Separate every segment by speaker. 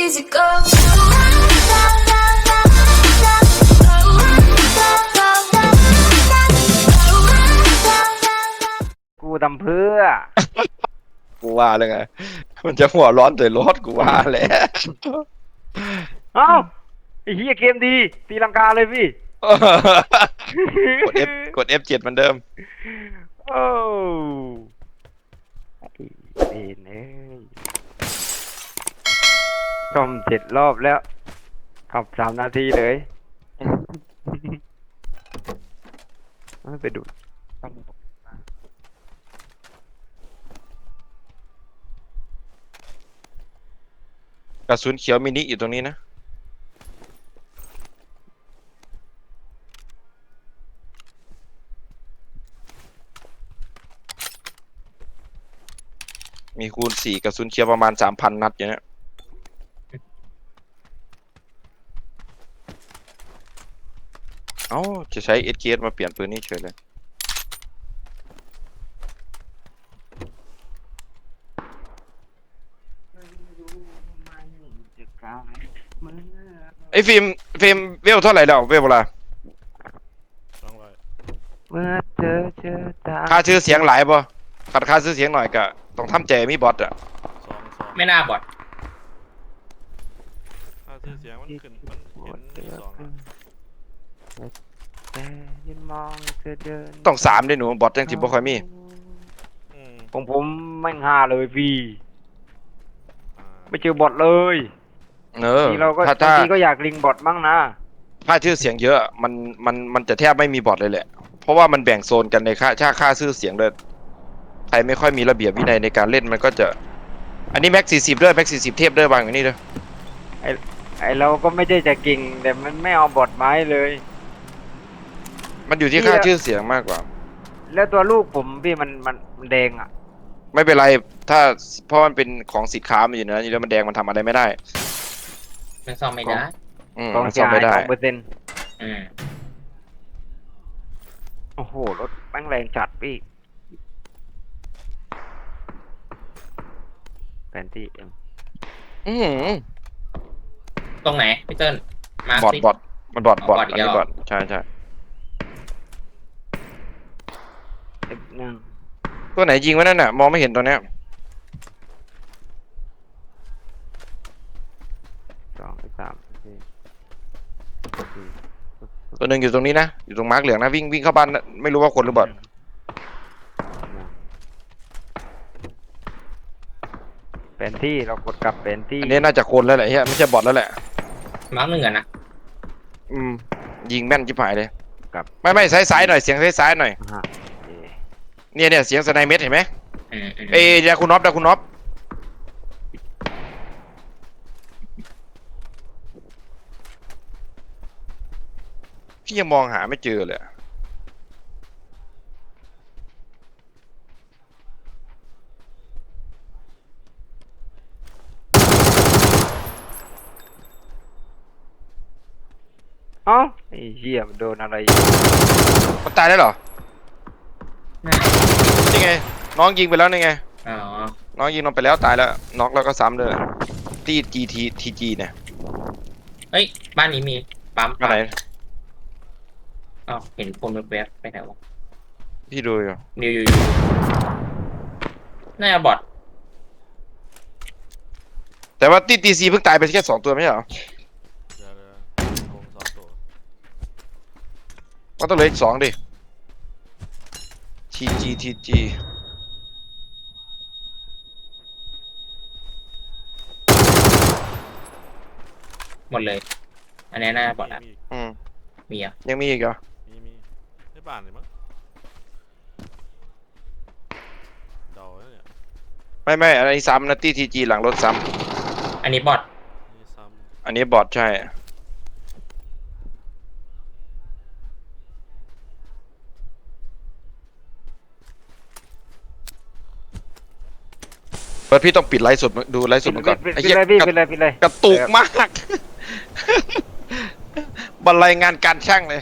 Speaker 1: easy go.
Speaker 2: กูทำเพื่อ
Speaker 3: กูว่าเลยไงมันจะหัวร้อนแต่รถกูว่าแหละ
Speaker 2: เอ้าไอ้เหี้ยเกมดีตีลังกาเลยพี่
Speaker 3: กด F กด F7 เหมือนเดิม
Speaker 2: โอ้ไอ้เอ็นเอ้ยซ่อม7 รอบแล้วขับ3 นาทีเลยไม่ไปดู
Speaker 3: กระสุนเขียวมินิอยู่ตรงนี้นะมีคูณ4กระสุนเขียวประมาณ 3,000 นัดอยู่เนี่ยเอ้าจะใช้ SKS มาเปลี่ยนปืนนี่เฉยเลยไอ้ฟิล์มเวลเท่าไหร่แล้วเวลเวลา
Speaker 2: เมื่อเจอตา
Speaker 3: ค่าชื่อเสียงหลายป่ะขัดค่าชื่อเสียงหน่อยก็ต้องทำใจมีบอทอ่ะ
Speaker 4: ไม่น่าบอด
Speaker 5: ถ้าชื่อเสียงมันขึ้นมันเห็นมีสองอะ
Speaker 2: แต่ยืนมองเธอเดิน
Speaker 3: ต้อง3ด้วยหนูบอทยังสิบ่ค่อยมี
Speaker 5: อืม
Speaker 2: ของผมแม่ง5เลยพี่
Speaker 5: อ่า
Speaker 2: ไม่เจอบอทเลย
Speaker 3: เออบ
Speaker 2: างทีเราก็
Speaker 3: ถ้า
Speaker 2: บางทีก็อยากลิงบอทบ้างนะ
Speaker 3: ค่าชื่อเสียงเยอะมันจะแทบไม่มีบอทเลยแหละ เพราะว่ามันแบ่งโซนกันในค่าชื่อเสียงเลยใครไม่ค่อยมีระเบียบวินัยในการเล่นมันก็จะ อันนี้แม็ก40ด้วยแม็ก40เทพด้วยวางอย่างนี้ด้วย
Speaker 2: ไอเราก็ไม่ได้จะเก่งแต่มันไม่เอาบอทไม้เลย
Speaker 3: มันอยู่ที่ค่าชื่อเสียงมากกว่า
Speaker 2: แล้วตัวลูกผมพี่มันแดงอ่ะ
Speaker 3: ไม่เป็นไรถ้าเพราะมันเป็นของสิทธิ์ค้ามันอยู่นะนี่แล้วมันแดงมันทำอะไรไม่ได้
Speaker 4: มันซ่อมไม่ได้
Speaker 2: กอง
Speaker 3: มัน
Speaker 2: เสี
Speaker 3: ซ่
Speaker 2: ย
Speaker 3: อม
Speaker 2: หาย
Speaker 3: ไม่ได้
Speaker 2: 2%
Speaker 4: อืม
Speaker 2: โอ้โหรถแม่งแรงจัดพี่แผนที่เอ็ม
Speaker 3: อื้อหือ
Speaker 4: ตรงไหนพี่เติ้ลมา
Speaker 3: บอท
Speaker 4: สิ
Speaker 3: บอทมันบอทบอท
Speaker 4: บอทอี
Speaker 3: อัน
Speaker 4: กแล้ว
Speaker 3: นี้
Speaker 4: เหรอ
Speaker 3: บอทใช่ใช่
Speaker 2: F1
Speaker 3: ตัวไหนยิงวะนั่นน่ะมองไม่เห็นตัวเนี้ย
Speaker 2: 2 3
Speaker 3: ตัวหนึ่งอยู่ตรงนี้นะอยู่ตรงมาร์กเหลืองนะวิ่งเข้าบ้านนะไม่รู้ว่าคนหรือบอท
Speaker 2: แผนที่เรากดกลับแผนที่
Speaker 3: อันนี้น่าจะคนแล้วแหละเฮียไม่ใช่บอทแล้วแหละ
Speaker 4: มาร์กหนึ่งอะนะ
Speaker 3: ยิงแม่นชิบหายเลย
Speaker 2: กลับ
Speaker 3: ไม่ซ้ายหน่อยเสียงซ้ายหน่อย
Speaker 2: ฮะ
Speaker 3: เนี่ยเสียงสไนเม็ดเห็นไหม
Speaker 4: อืม
Speaker 3: เอ้ยดาคุณน็อปพี่ยังมองหาไม่เจอเลยอะ
Speaker 2: เอ้าไอ้เหี้ยมันโดนอะไร
Speaker 3: มันตายได้เหรอ
Speaker 4: น่า
Speaker 3: นี่ไงน้องยิงไปแล้วนี่ไง
Speaker 4: อ๋อ
Speaker 3: น้องยิงน้องไปแล้วตายแล้วน็อกแล้วก็ซ้ำเลยที่ GTTG เนี่ย
Speaker 4: เฮ้ยบ้านนี้มีปั๊ม
Speaker 3: อะไร
Speaker 4: อ๋อเห็นคนแวบๆไปไหนวะ
Speaker 3: พี่ดูอยู่
Speaker 4: นิวอยู่น่าจะบอด
Speaker 3: แต่ว่าที่ TC เพิ่งตายไปแค่2 ตัวไม่ใช่เหรอ
Speaker 5: เดี๋ยววงสองตัว
Speaker 3: ก็ต้องเหลืออีก2ดิ TG
Speaker 4: หมดเลย อันนี้น่าจะบอดอะ
Speaker 5: มี
Speaker 3: อืม
Speaker 4: มีอ่ะ
Speaker 3: ยังมีอีกเหรอ
Speaker 5: มีได้บ้านเลยมั้งเดาเนี่ย
Speaker 3: ไม่อันนี้ซ้ำนะที่ TG หลังรถซ้
Speaker 4: อันนี้บอด
Speaker 5: นี่ซ้
Speaker 3: ำอันนี้บอทใช่เปิดพี่ต้องปิดไลฟ์สดดูไลฟ์สดมันก่อน
Speaker 2: ปิด
Speaker 3: ไอ้
Speaker 2: ปิด
Speaker 3: เหี้ย
Speaker 2: เลยพี่ปิดเลยปิดเลย
Speaker 3: กระตุกมาก บรรลัยงานการช่างเลย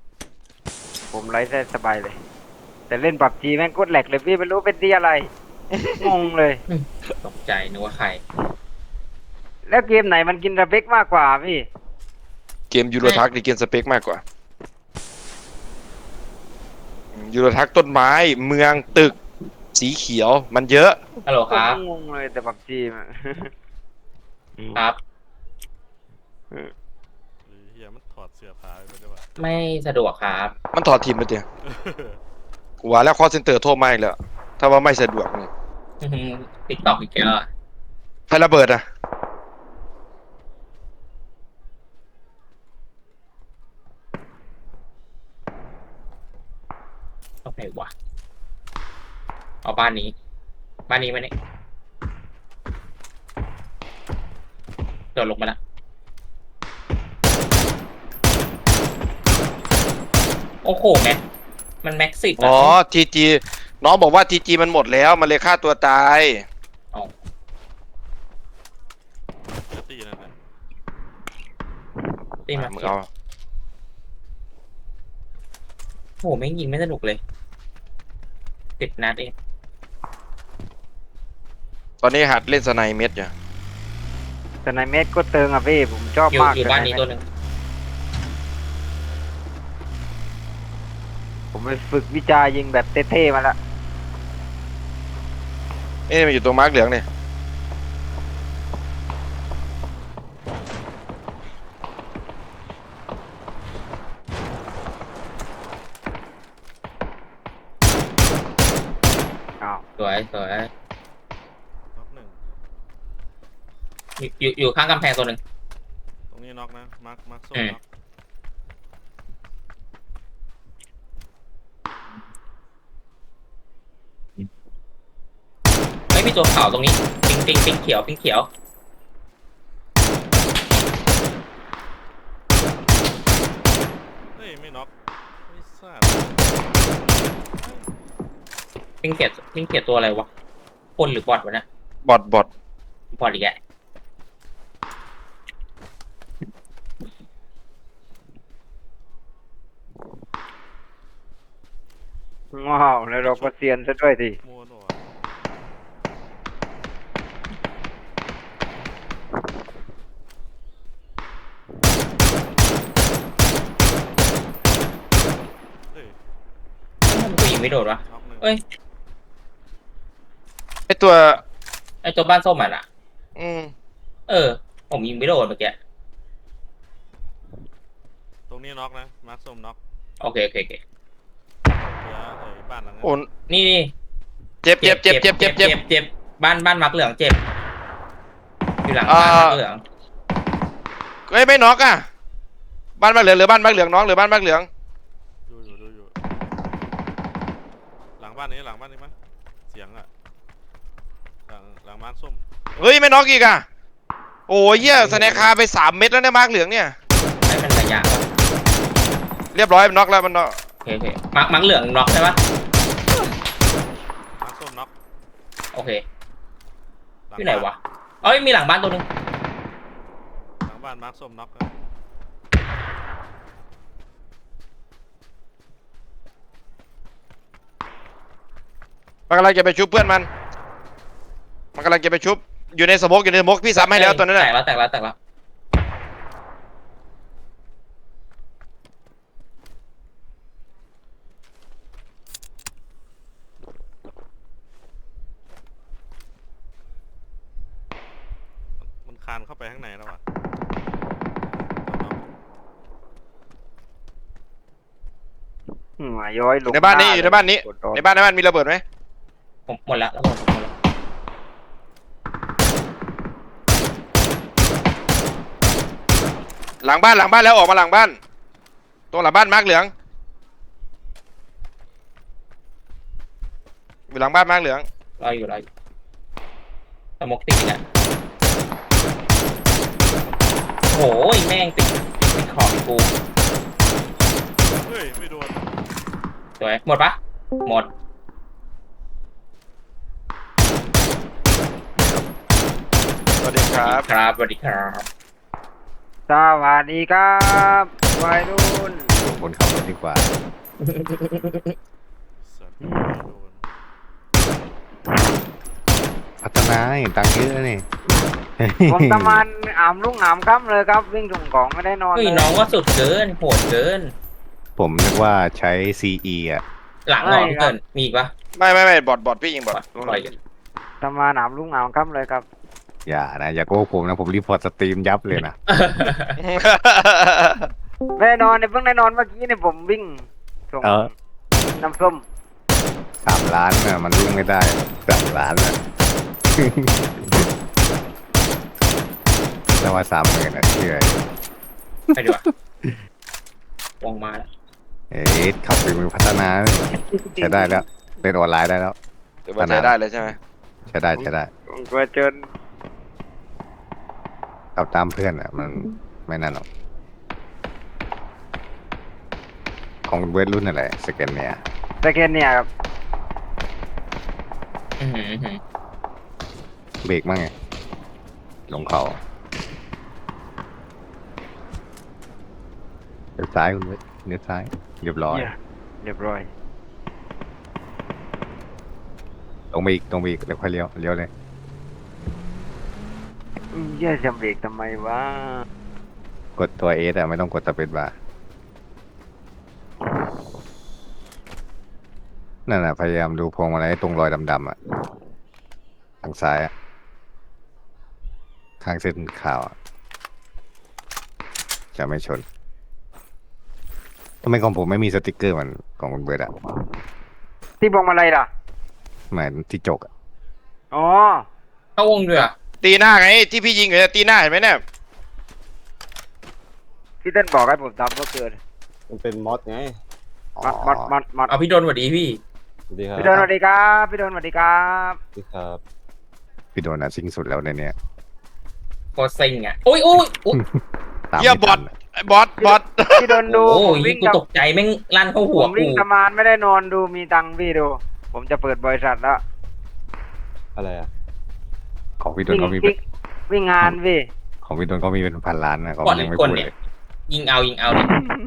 Speaker 2: ผมไลฟ์ได้สบายเลย แต่เล่นปับจีแม่งโคตรแหลกเลยพี่ไม่รู้เป็นที่อะไรงงเลย
Speaker 4: ตกใจนึกว่าใคร
Speaker 2: แล้วเกมไหนมันกินสเปคมากกว่าพี่
Speaker 3: เกมยูโรทักนี่เกมสเปคมากกว่ายูโรทักต้นไม้เมืองตึกสีเขียวมันเยอะ
Speaker 4: ฮัลโหลครับ
Speaker 2: งงเลยแต่ปับจีม
Speaker 4: ครับ
Speaker 5: หรือเฮียมันถอดเสื้อผ้าไปด้วยวะ
Speaker 4: ไม่สะดวกครับ
Speaker 3: มันถอดทีมไปเดียวกูว่าแล้วคอเซ็นเตอร์โทรมาอีกแล้วถ้าว่าไม่สะดวกนี่
Speaker 4: ติ๊กต็อกอีกแล้วอะ
Speaker 3: ใครระเบิดอ่ะ
Speaker 4: ต้องไหนวะเอาบ้านนี้ บ้านนี้มาเนี่ยโดดลงมาละโอ้โหแม็กมันแม็กซิบ
Speaker 3: อ๋อทีจีน้องบอกว่าทีจีมันหมดแล้วมันเลยฆ่าตัวตาย
Speaker 5: เจอตีนั่นแหละ
Speaker 4: ตีมา
Speaker 3: มึงเอา
Speaker 4: โอ้โหไม่งยิงไม่สนุกเลย10 นัดเอง
Speaker 3: ตอนนี้หัดเล่นสไนเม็ดอยู่
Speaker 2: แต่ในเม็ดก็เติงอ่ะพี่ผมชอบ
Speaker 4: อยู่
Speaker 2: มาก
Speaker 4: อยู่บ้านนี้
Speaker 2: แต่
Speaker 4: ตัว
Speaker 2: ใเม็ด
Speaker 4: หนึ่ง
Speaker 2: ผมไปฝึกวิจัยยิงแบบเท่ๆมาละ
Speaker 3: เอ๊ะมันอยู่ตรงมาร์กเหลืองเนี่ย
Speaker 2: อ้าว
Speaker 4: สวยสวย
Speaker 5: น็อกหนึ่ง
Speaker 4: อยู่ข้างกำแพงตัวหนึ่ง
Speaker 5: ตรงนี้น็อกนะมาร์คส้ม
Speaker 4: อืม
Speaker 5: น็อก
Speaker 4: ไม่มีตัวขาวตรงนี้ปิงเขียวปิงเขียว
Speaker 5: เฮ้ยไม่น็อกไม่ทราบ
Speaker 4: ปิงเขียวตัวอะไรวะคนหรือบอทวะเนะ
Speaker 3: บอทบอท
Speaker 4: บอทอีกแก
Speaker 2: ว้าวแล้วเราก็เซียนซะด้วยที
Speaker 5: มัวหนวเฮ้ย
Speaker 4: ทำไมกูยิงไม่โดนวะ
Speaker 5: น็อกหนึ่ง
Speaker 4: เอ้ย
Speaker 3: ไอตัว
Speaker 4: ไอตัวบ้านส้มอ่ะน่ะ
Speaker 3: อืม
Speaker 4: ผมยิงไม่โดนเมื่อกี้
Speaker 5: ตรงนี้น็อกนะมาร์คส้มน็อก
Speaker 4: โอเค
Speaker 5: เหลือไอ้บ้านหลังนั้น
Speaker 3: โอน
Speaker 4: นี่
Speaker 3: เจ็บเจ็บเจ็บเจ็บเจ็บเจ็บ
Speaker 4: เจ็บบ้านมักเหลืองเจ็บอยู่หลังบ้านมักเหลือง
Speaker 3: เอ้ยไม่น็อกอ่ะบ้านมาร์กเหลืองหรือบ้านมาร์กเหลืองน้องหรือบ้านมาร์กเหลือง
Speaker 5: ดูอยู่หลังบ้านนี้มั้ยเสียงอะหลังมาร์คส้ม
Speaker 3: เฮ้ยไม่น็อกอีกอ่ะโอ้ยเหี้ยสแนคคาไป3 เม็ดแล้วเนี่ยมาร์กเหลืองเนี่ย
Speaker 4: ให้มันระยะวะ
Speaker 3: เรียบร้อยมันน็อกแล้วมันน็อก
Speaker 4: โอเคมักเหลืองน็อกใช่ปะ
Speaker 5: มาร์คส้มน็อก
Speaker 4: โอเค
Speaker 5: ลัง
Speaker 4: ที่ไหนวะเอ้ยมีหลังบ้านตัวหนึง
Speaker 5: หลังบ้านมาร์คส้มน็อกนะ
Speaker 3: มันกำลังจะไปชุบเพื่อนมันกำลังจะไปชุบอยู่ในสโมกพี่ซ้ำให้แล้วตัวนั้น
Speaker 4: แต
Speaker 3: แหละ
Speaker 4: กแล้ว
Speaker 5: มันคานเข้าไปข้างในแล้วว่ะ
Speaker 2: ย้อยลง
Speaker 3: ในบ้านนี้อยู่ในบ้านนี้
Speaker 2: กดออก
Speaker 3: ในบ้านมีระเบิดไหม
Speaker 4: ผมหมดละแล้วผมหมดละ
Speaker 3: หลังบ้านแล้วออกมาหลังบ้านตรงหลังบ้านมาร์กเหลืองอยู่หลังบ้านมาร์กเหลือง
Speaker 4: รออยู่สมกติดอีกอ่ะโอ้ยแม่งติดขอบอีกกู
Speaker 5: เฮ้ยไม่โดน
Speaker 4: สวยหมดปะหมด
Speaker 3: สวัสดีครับ
Speaker 4: ครับสวัสดีครับ
Speaker 2: สวัสดีครับวัยรุ่น
Speaker 1: ส่งคนขับรถดีกว่า
Speaker 5: สัตว์ไม่โดน
Speaker 1: พัฒนาเห็นตังค์เยอะนี่
Speaker 2: ผมทำงานอ่ำลุ่งอ่ำค่ำเลยครับ วิ่งส่งของไม่ได้นอน
Speaker 4: เฮ้ย
Speaker 2: เลย
Speaker 4: น้องก็สุดเกินโหดเกิน
Speaker 1: ผมนึกว่าใช้ CE อ่ะ
Speaker 4: หลังเหรอพี่เกินมีอีกปะ
Speaker 3: ไม่บอทพี่ยิงบอท
Speaker 4: ปล่อยกัน
Speaker 2: ทำงานอ่ำลุ่งอ่ำค่ำเลยครับ
Speaker 1: อย่านะ อย่าโกหกผมนะ ผมรีพอร์ตสตรีมยับเลยนะ
Speaker 2: ไม่ได้นอนเนี่ยเพิ่งได้นอนเมื่อกี้เนี่ยผมวิ่งส่ง
Speaker 1: เออ
Speaker 2: น้ำส้ม
Speaker 1: 3 ล้านน่ะมันวิ่งไม่ได้3 ล้านน่ะ แต่ว่า30,000นะเชื่อ
Speaker 4: ไปดีกว่าวงมาแล้ว
Speaker 1: เอ๊ะขับฝีมือพัฒนาใช้ได้แล้วเล่นออนไลน์ได้แล้ว
Speaker 3: ถือว่าใช้ได้เลยใช่ไหม
Speaker 1: ใช้ได้ใช้ได้
Speaker 2: ผมกลัวเจอ
Speaker 1: ขับตามเพื่อนอ่ะ มันไม่นั่นหรอกของเวทรุ่นอะไรสแกนเนี่ย
Speaker 2: สแกนเนี่ยครับ
Speaker 4: อื้อหืออื้อหือ
Speaker 1: เบรกมั่งไงลงเขาเลี้ยวซ้ายคุณเวทเลี้ยวซ้ายเรียบร้อย
Speaker 2: เนี่ยเรียบร้อย
Speaker 1: ตรงไปอีกตรงไปอีกแล้วค่อยเลี้ยวเลี้ยวเลย
Speaker 2: เหี้ยจะเบรกทำไมวะ
Speaker 1: กดตัวเอสอะไม่ต้องกดสเปซบาร์นั่นแหะพยายามดูพวงมาลัยตรงรอยดำๆอะทางซ้ายอะข้างเส้นขาวอะจะไม่ชนทำไมของผมไม่มีสติกเกอร์เหมันของคุณเบิร์ดอะ
Speaker 2: ที่บอกมาอะไรล่ะ
Speaker 1: เหมือนที่จกอะ
Speaker 2: อ๋อ
Speaker 4: เข้าวงด้วยอ่ะ
Speaker 3: ตีหน้าไงที่พี่ยิงอยู่เนี่ยตีหน้าเห็นไหมเนี่ย
Speaker 2: พี่เต้นบอกให้ผมทำก็เกิน
Speaker 5: มันเป็นมอสไง
Speaker 2: มัด
Speaker 4: เอาพี่โดนสวัสดีพี่
Speaker 5: สวัสดีครับ
Speaker 2: พี่โดนสวัสดีครับพี่โดนสวัสดีครับ
Speaker 5: สวัสดีครับ
Speaker 1: พี่โดนอะซิงสุดแล้วในเนี้ย
Speaker 4: โคตรซิงอ่ะโอ้ยโอ้ยโอ้ย
Speaker 1: ตาม
Speaker 3: เหี้ย
Speaker 1: ไม่
Speaker 3: บอ
Speaker 1: ทั
Speaker 3: ท
Speaker 1: นอะ
Speaker 3: ไอ้บอท
Speaker 2: พี่โดนดู
Speaker 4: โอ้
Speaker 2: ผม
Speaker 4: ย
Speaker 2: วิ่ง
Speaker 4: กูตกใจแม่งลั่นเข้า
Speaker 2: ผ
Speaker 4: หัว
Speaker 2: มวิ่
Speaker 4: กู
Speaker 2: งทำงานไม่ได้นอนดูมีตังค์พี่ดู ผมจะเปิดบริษัทแล้ว
Speaker 5: อะไรอ่ะ
Speaker 1: ของพี่โดน
Speaker 2: วิ่ง
Speaker 1: เขามีเป็
Speaker 2: วิ่
Speaker 1: น
Speaker 2: งวิ่งงานพี่
Speaker 1: ของพี่โดนเขามีเป็นพันล้านนะเขา
Speaker 4: ก่อน
Speaker 1: ยังไม่
Speaker 4: คน
Speaker 1: พูด
Speaker 4: เนี่
Speaker 1: เลย ย
Speaker 4: ยิงเอาเนี่ย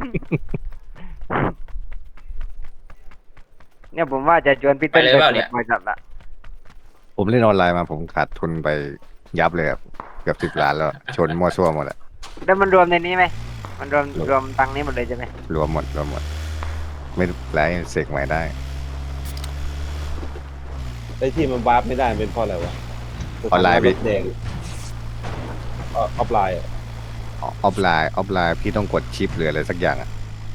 Speaker 2: เนี่ยผมว่าจะชวนพี่เต้น
Speaker 4: ไปเลย
Speaker 2: ไป
Speaker 4: เปล่า
Speaker 2: เปิ
Speaker 4: เนี่
Speaker 2: ด
Speaker 4: ย
Speaker 2: บริษัทละ
Speaker 1: ผมเล่นออนไลน์มาผมขาดทุนไปยับเลยครับเกือบ10 ล้านแล้วชนมั่วซั่วหมดอะ
Speaker 2: แล้วมันรวมในนี้ไหมมันรวมตังค์นี้หมดเลยใช่ไหม
Speaker 1: รวมหมด ไม่ไรเสกใหม่ได้
Speaker 5: ไอ้ที่มันวาร์ปไม่ได้เป็นเพราะอะไรวะ
Speaker 1: ออนไลน์พี่
Speaker 5: รถแดงออฟไลน์อะ
Speaker 1: ออฟไลน์พี่ต้องกดชิปหรืออะไรสักอย่างอ่ะ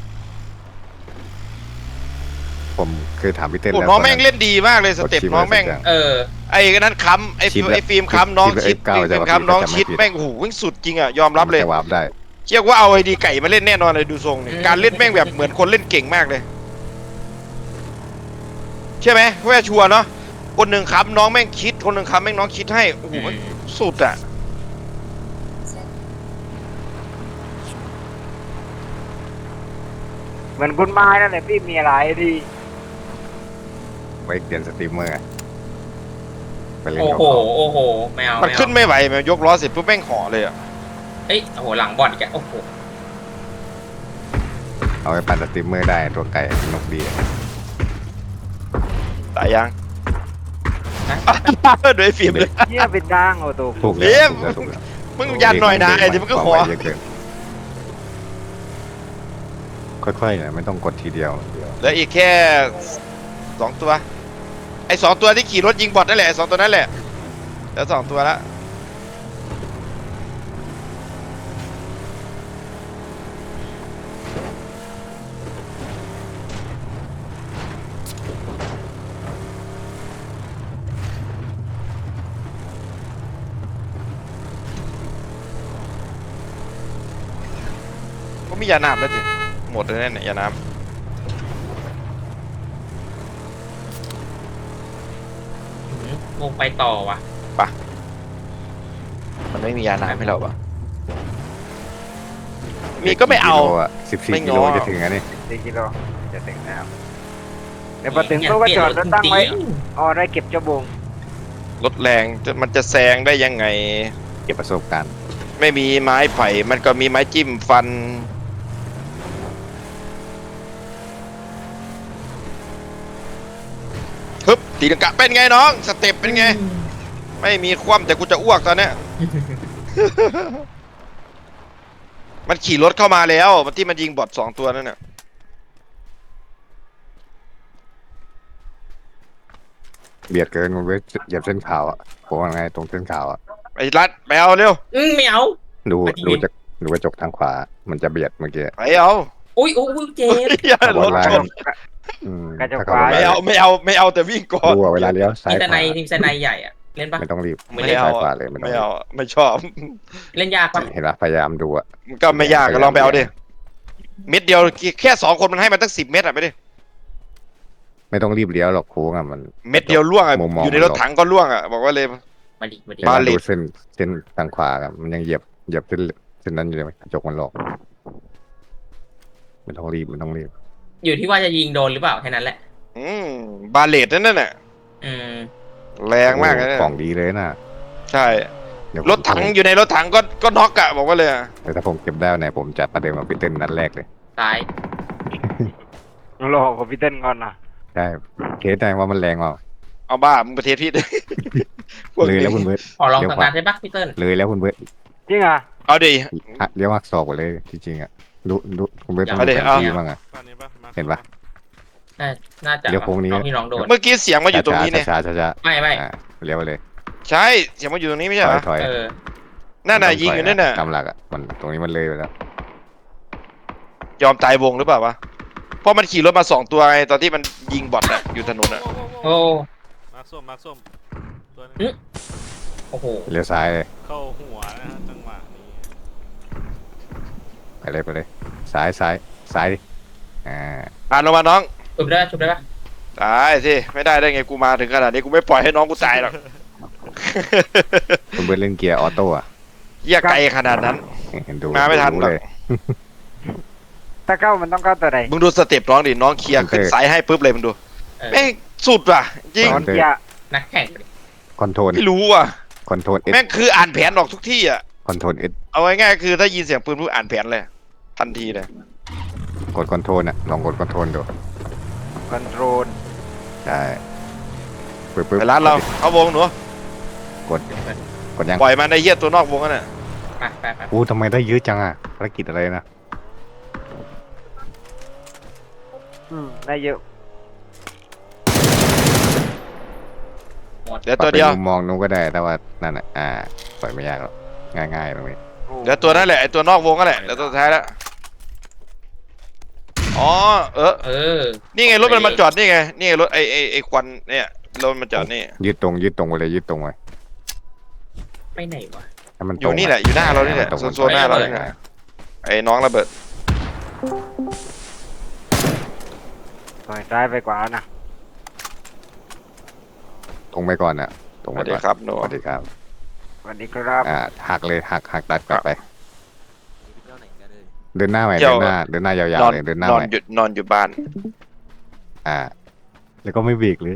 Speaker 1: ผมคือถามพี่เต้น
Speaker 3: โอ้
Speaker 1: แล้ว
Speaker 3: น้องแม่งเล่นดีมากเลยสเต็ป
Speaker 1: กดชิป
Speaker 3: น้องแม่ง
Speaker 1: อะไรสักอย่าง
Speaker 4: เออ
Speaker 3: ไอ้นั้นค้ำไอ้
Speaker 1: ชิปแล้ว
Speaker 3: ไอ้ฟิล์มค้ำน้อง
Speaker 1: ชิ
Speaker 3: ชิ
Speaker 1: ป
Speaker 3: ด
Speaker 1: F9
Speaker 3: ฟิล์ม
Speaker 1: จะ
Speaker 3: ค้ำน้อง
Speaker 1: จะไม่
Speaker 3: ชิด
Speaker 1: ผิด
Speaker 3: แม่งโอ้โหวิ่งสุดจริงอ่ะยอมรับเลย
Speaker 1: จะวาร์ปได้
Speaker 3: เชื่อว่าเอาไอดีไก่มาเล่นแน่นอนเลยดูทรงนี่
Speaker 4: อืม
Speaker 3: การเล่นแม่งแบบเหมือนคนเล่นเก่งมากเลยใช่ไหมเพื่อชัวร์เนาะคนหนึ่งค้ำน้องแม่งคิดคนหนึ่งค้ำแม่งน้องคิดให้โอ้โหมันสุดอ่ะ
Speaker 2: เหมือนคุณไม้นั่นแหละพี่มีอะไรดี
Speaker 1: ไว้เปลี่ยนสตรีมเมอร์อะไปเล่น
Speaker 4: โอ้
Speaker 1: กับ
Speaker 4: โห
Speaker 1: เขา
Speaker 4: โอ้โหไม่เอา
Speaker 3: มัน
Speaker 4: ไม่เอา
Speaker 3: ขึ้นไม่ไหวมันยกล้อเสร็จปุ๊บแม่งห่อเลยอ่ะ
Speaker 4: เอ้ยโอ้โหหลังบอดอีกแล้วโอ้โห
Speaker 1: เอาไปปั่นสตรีมเมอร์ได้ตัวไก่นกดีอะ
Speaker 3: ตายยัง
Speaker 4: นะ
Speaker 3: โดยฟิล์มเลย
Speaker 2: เหี้ยเป็นดังโอ้โห
Speaker 1: ถูก
Speaker 3: เยี่
Speaker 1: แล้
Speaker 3: ยว ม
Speaker 1: ถูกแล้ว
Speaker 3: มึงยันหน่อยนะไอ้ที่มันก็ขอ
Speaker 1: เยอะเกินค่อยๆนะไม่ต้องกดทีเดียว
Speaker 3: เหลืออีกแค่2 ตัวไอ้2 ตัวที่ขี่รถยิงบอทนั่นแหละไอ้2 ตัวนั่นแหละเหลือ2 ตัวละก็มียาน้ำแล้วจิหมดเลยเนี่ยยาน้
Speaker 4: วงไปต่อว่ะ
Speaker 3: ำมันไม่มียาน้ำให้เราปะมีก็ไม่เอา
Speaker 1: 14
Speaker 3: ไม่
Speaker 1: กิ
Speaker 3: ง้
Speaker 1: โล
Speaker 3: อ
Speaker 1: จะถึงอันนี้
Speaker 2: 4 กิโลจะถึงนะครับเดี๋ยวพอถึงตู้ก็จอดรถตั้งไว้อ๋อได้เก็บเจ้าบง
Speaker 3: รถแรงมันจะแซงได้ยังไง
Speaker 1: เก็บประสบการณ์
Speaker 3: ไม่มีไม้ไผ่ มันก็มีไม้จิ้มฟันฮึบตีลังกะเป็นไงน้อง สเต็ปเป็นไงไม่มีคว่ำแต่กูจะอ้วกตอนเนี้ย มันขี่รถเข้ามาแล้วมันที่มันยิงบอท2 ตัวนั่นน่ะ
Speaker 1: เบียดเกินมันเว้ยเหยียบเส้นขาวอ่ะผมว่าไงตรงเส้นขาวอ่ะ
Speaker 3: ไอ้รัดไปเอาเร็ว
Speaker 4: ไม่เอา
Speaker 1: ดู
Speaker 4: มาที่
Speaker 1: ดูจากดูกระจกทางขวา มันจะเบียดเมื่อกี้
Speaker 3: ไปเอา
Speaker 4: อุ้ยเจ็บ
Speaker 3: อย่าร
Speaker 1: บอ
Speaker 3: ถ
Speaker 1: ลไล
Speaker 3: ชน
Speaker 1: น์อืม
Speaker 2: กระจก
Speaker 1: ถ้าเขา
Speaker 2: ขวา
Speaker 1: บอลไล
Speaker 3: ไม่
Speaker 1: น์
Speaker 3: เอาแต่วิ่งก่อน
Speaker 1: ดูอะเวลาเลี้ยวซ้าย
Speaker 4: ทีม
Speaker 1: ข
Speaker 4: สไน
Speaker 1: วา
Speaker 4: ทีมสไนใหญ่อะเล่นปะ
Speaker 1: ไม่ต้องรีบ
Speaker 3: ไม่เอา
Speaker 1: ซ้ายขวาเลยไม่ต้อง
Speaker 3: ไม่
Speaker 1: รี
Speaker 3: เอา
Speaker 1: บ
Speaker 3: ไม่ชอบ
Speaker 4: เล่นยากปะ
Speaker 1: เห็นปะพยายามดูอ่ะ
Speaker 3: มันก็ไม่ยากก็ลองไปเอาดิเม็ดเดียวแค่2 คนมันให้มันตั้ง10 เม็ดอะไปดิ
Speaker 1: ไม่ต้องรีบเลี้ยวหรอกโค้งอ่ะมัน
Speaker 3: เม็ดเดียวล่วงอะ
Speaker 1: มุมมอง
Speaker 3: อยู่ในรถถังก็ล่วงอะบอกว่าเลย
Speaker 4: มาดิ
Speaker 1: เห็น
Speaker 3: บา
Speaker 1: ปะ
Speaker 3: เลต
Speaker 1: ดูเส้นทางขวาครับมันยังเหยียบเส้นนั้นอยู่เลยกระจกมันหลอกไม่ต้องรีบไม่ต้องรีบ
Speaker 4: อยู่ที่ว่าจะยิงโดนหรือเปล่าแค่นั้นแหละ
Speaker 3: อืมบาเลตนั่นน่ะ
Speaker 4: อืม
Speaker 3: แรงมากเลยนะ
Speaker 1: กล่องดีเลยนะ
Speaker 3: ใช่
Speaker 1: เดี๋ยว
Speaker 3: รถถังอยู่ในรถถังก็น็อกอะบอกว่าเลยอะ
Speaker 1: แต่ถ้าผมเก็บได้ไหนผมจะประเดิมมาพิเต้นนัดแรกเลย
Speaker 4: ตาย
Speaker 2: รอคอมพิวเตอร์ก่อนนะ
Speaker 1: ใช่เคสได้ว่ามันแรงเปล่า
Speaker 3: เอาบ้ามึงประเทศพี่ พวก
Speaker 1: เลย
Speaker 3: นี้
Speaker 1: แล้วคุณเบิร์ด
Speaker 4: ขอลองสังการใช่ปะพี่เติ้ล
Speaker 1: เลยแล้วคุณเบิร์ด
Speaker 2: จริงอ่ะ
Speaker 3: เอาดิ
Speaker 1: เลี้ยวหักศอกหมดเลยจริงๆอ่ะดูคุณเบิร์ดต้อง
Speaker 3: เอา
Speaker 1: ดู
Speaker 3: ดิ
Speaker 1: แผน
Speaker 3: เอา
Speaker 1: ที่บ้างอ่ะ
Speaker 5: บ้านนี้ปะมา
Speaker 1: เห็นปะ
Speaker 4: น่าจะ
Speaker 1: เดี๋ยวโค้งนี้
Speaker 4: น้องที่น้องโดน
Speaker 3: เมื่อกี้เสียงมาอยู่ตรงนี้เนี่ย
Speaker 1: ช้าๆช้า
Speaker 4: ไม่
Speaker 1: ๆเลี้ยวไปเลย
Speaker 3: ใช่เสียงมาอยู่ตรงนี้ไม่ใช่เหรอ
Speaker 1: ถอย
Speaker 4: เออ
Speaker 3: นั่นน่ะยิงอยู่นั่นน่ะ
Speaker 1: ตามหลักอ่ะมันตรงนี้มันเลยไปแล้ว
Speaker 3: ยอมตายวงหรือเปล่าวะเพราะมันขี่รถมา2 ตัวไงตอนที่มันยิงบอทอะอยู่ถนนอะ
Speaker 4: โอ้
Speaker 5: มาร์คส้มตัวนึง
Speaker 4: โอ้โห
Speaker 1: เลี้ยวซ้ายเลย
Speaker 5: เข้าหัวนะฮะจังหวะนี้
Speaker 1: ไปเลยซ้ายดิอ่า
Speaker 3: อ่านลงมาน้อง
Speaker 4: ชุบได้ปะ
Speaker 3: ตายสิไม่ได้ไงกูมาถึงขนาดนี้กูไม่ปล่อยให้น้องกูตายหรอก
Speaker 1: คุณเบิร์ดเล่นเกียร์ออโต้อะ
Speaker 3: เหี้ยไกลขนาดนั้น
Speaker 1: เห็นดู
Speaker 3: มาไม่ทัน
Speaker 1: รู้
Speaker 3: หรอก
Speaker 1: เลย
Speaker 2: ถ้าเข้ามันต้องเข้าตัวใด
Speaker 3: มึงดูสเต็ปน้องดิน้องเคลียร์ขึ้นสายให้ปุ๊บเลยมึงดู
Speaker 4: เออ
Speaker 3: แม่งสุดว่ะจริง
Speaker 2: สอนเกียร์
Speaker 4: นักแข่ง
Speaker 1: คอนโทรล
Speaker 3: ไม่รู้ว่ะ
Speaker 1: คอนโทรลเอส
Speaker 3: แม่งคืออ่านแผนออกทุกที่อ่ะ
Speaker 1: คอนโทรลเอส
Speaker 3: เอาง่ายๆคือถ้ายินเสียงปืนปุ๊บอ่านแผนเลยทันทีเลย
Speaker 1: กดคอนโทรลอ่ะลองกดคอนโทรลดู
Speaker 2: คอนโทรล
Speaker 1: ใช่ปึ๊บ
Speaker 3: ไปร้านเราเข้าวงหนู
Speaker 1: กดยัง
Speaker 3: ปล่อยมันไอ้เหี้ยตัวนอกวงนั่นน่ะ
Speaker 4: ไป
Speaker 1: อู้ทำไมได้เยอะจังอ่ะภารกิจอะไรนะ
Speaker 2: ได้เยอะ
Speaker 3: เดี๋ยวตัวเดียว
Speaker 1: ปรับป็นมุมมองนู้นก็ได้แต่ว่านั่นอ่ะปล่อยไม่ยากหรอกง่ายๆตรงนี้
Speaker 3: เดี๋ยวตัวนั่นแหละไอ้ตัวนอกวงนั่นแหละเดี๋ยวตัวสุดท้ายแล้วอ๋อ
Speaker 4: เออ
Speaker 3: นี่ไงรถมันมาจอดนี่ไงนี่ไงรถไอ้ควันเนี่ยรถมันจอดนี่
Speaker 1: ยืดตรงไปเลยยืดตรงไป
Speaker 4: ไปไหนวะ
Speaker 1: ให้มัน
Speaker 3: อ
Speaker 1: ตรง
Speaker 3: ยู่นี่แหละอยู่หน้าเรานี่แหละ
Speaker 1: ตรง
Speaker 3: โซนหน้าเรานี่แหละไอ้น้องระเบิด
Speaker 2: ถอยซ้ายไปกว่านะ
Speaker 1: ตรงไปก่อนอ่ะตรง
Speaker 3: ส
Speaker 1: ไป
Speaker 3: วัสดี
Speaker 1: ก่อน
Speaker 3: ครับหนู
Speaker 1: สวัสดีครับ
Speaker 2: สวัสดีครับ
Speaker 1: หักเลยหักตัดกลับไป เดินหน้าใหม่เดินหน้ายาวๆเลยเดินหน้าน
Speaker 3: อ
Speaker 1: ให
Speaker 3: น
Speaker 1: ม่
Speaker 3: หยุดนอนอยู่บ้าน
Speaker 1: แล้วก็ไม่เบรกเลย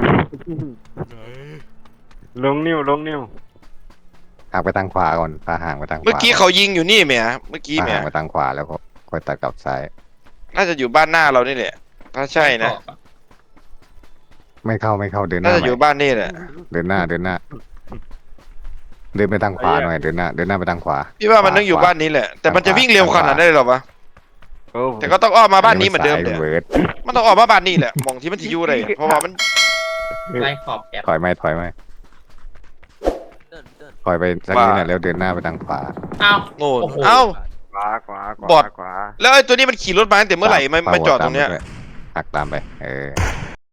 Speaker 2: ลงนิ้ว
Speaker 1: ห่างไปทางขวาก่อนพาห่างไปทางขวา
Speaker 3: เมื่อกี้เขายิงอยู่นี่แหมเมื่อกี้
Speaker 1: พา
Speaker 3: แหม
Speaker 1: ห่างไปทางขวาแล้วก็ค่อยตัดกลับซ้าย
Speaker 3: น่าจะอยู่บ้านหน้าเรานี่แหละถ้าใช่นะ
Speaker 1: ไม่เข้าเดินห
Speaker 3: น่า
Speaker 1: น้า
Speaker 3: จะ
Speaker 1: ให
Speaker 3: อยู่
Speaker 1: ม่
Speaker 3: บ้านนี่แหละ
Speaker 1: เดินหน้าเดินไปทางขวาหน่อยเดินหน้าไปทางขวา
Speaker 3: พี่ว่ามันต้องอยู่บ้านนี้แหละแต่มันจะวิ่งเร็วขนาดนั้นเลยเหรอวะ
Speaker 2: โอ้
Speaker 3: แต่ก็ต้องอ้อมมาบ้านนี้เหมือนเดิม
Speaker 1: ซ้าย
Speaker 3: เนี่ย
Speaker 1: เวิร์ด
Speaker 3: มันต้องออกมาบ้านนี่แหละมองที่มันจะอยู่เลยเพราะว่ามัน
Speaker 4: ไล่ขอบแอบ
Speaker 1: ถอยไหมถอยไปสักนิดหน่อยแล้วเดินหน้าไปทางขวา
Speaker 4: อ้าว
Speaker 3: โง่
Speaker 4: โอ้โห
Speaker 3: เอ้า
Speaker 2: ขวา
Speaker 3: บอด
Speaker 2: ขวา
Speaker 3: แล้วไอ้ตัวนี้มันขี่รถมาตั้งแต่เมื่อไหร่มาจอดตรงเนี้ย
Speaker 1: หักตามไป